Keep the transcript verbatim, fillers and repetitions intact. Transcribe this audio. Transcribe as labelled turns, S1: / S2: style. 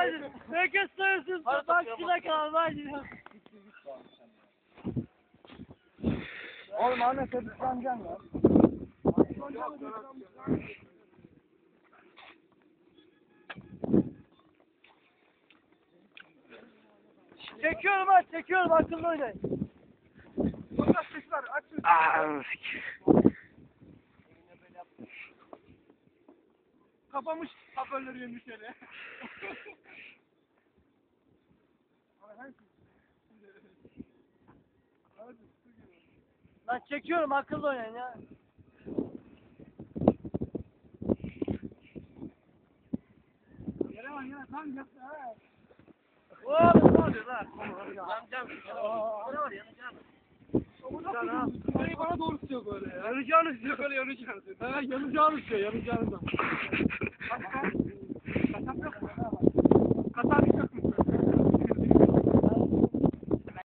S1: Haydi. Herkes sayısın. Bak şuna kalma haydi.
S2: Oğlum Ahmet hep ıslanacaksın lan.
S1: Çekiyorum ha çekiyorum akıllı oynayın.
S2: Sonra sesler aç. Kapamış hoparlörü yemiş hele.
S1: Lan çekiyorum akıllı oynayın ya.
S2: Yere var yere tam yaptı ha.
S1: Oğlum ne oluyor lan? Yanacağım. Ne var yanacağım.
S2: Burayı bana doğru tutuyor böyle ya. Yanacağını istiyor böyle yanacağını istiyor. Ha yanacağını istiyor yanacağını da. Kasap yok mu?